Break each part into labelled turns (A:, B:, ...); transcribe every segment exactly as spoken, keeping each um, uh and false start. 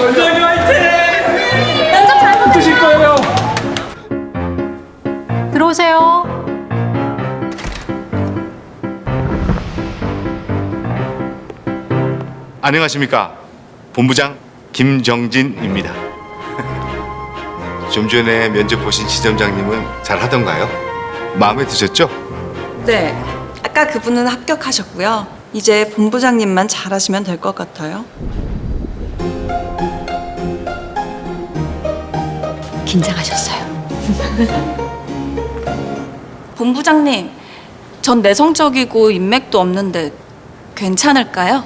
A: 부장님 화이팅!
B: 면접 잘 보세요.
A: 드실 거예요.
B: 들어오세요.
C: 안녕하십니까. 본부장 김정진입니다. 좀 전에 면접 보신 지점장님은 잘 하던가요? 마음에 드셨죠?
D: 네, 아까 그분은 합격하셨고요. 이제 본부장님만 잘하시면 될 것 같아요.
B: 긴장하셨어요.
D: 본부장님, 전 내성적이고 인맥도 없는데 괜찮을까요?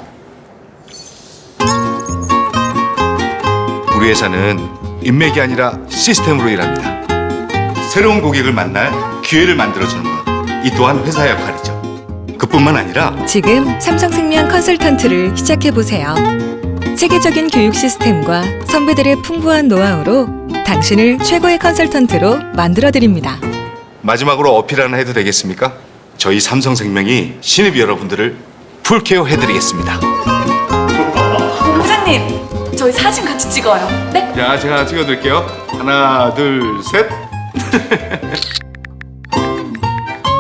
C: 우리 회사는 인맥이 아니라 시스템으로 일합니다. 새로운 고객을 만날 기회를 만들어주는 것, 이 또한 회사 역할이죠. 그뿐만 아니라
E: 지금 삼성생명 컨설턴트를 시작해보세요. 세계적인 교육 시스템과 선배들의 풍부한 노하우로 당신을 최고의 컨설턴트로 만들어드립니다.
C: 마지막으로 어필 하나 해도 되겠습니까? 저희 삼성생명이 신입 여러분들을 풀케어 해드리겠습니다.
D: 본부장님, 저희 사진 같이 찍어요. 네?
C: 자, 제가 찍어드릴게요. 하나, 둘, 셋.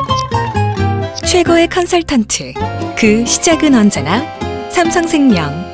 E: 최고의 컨설턴트, 그 시작은 언제나 삼성생명.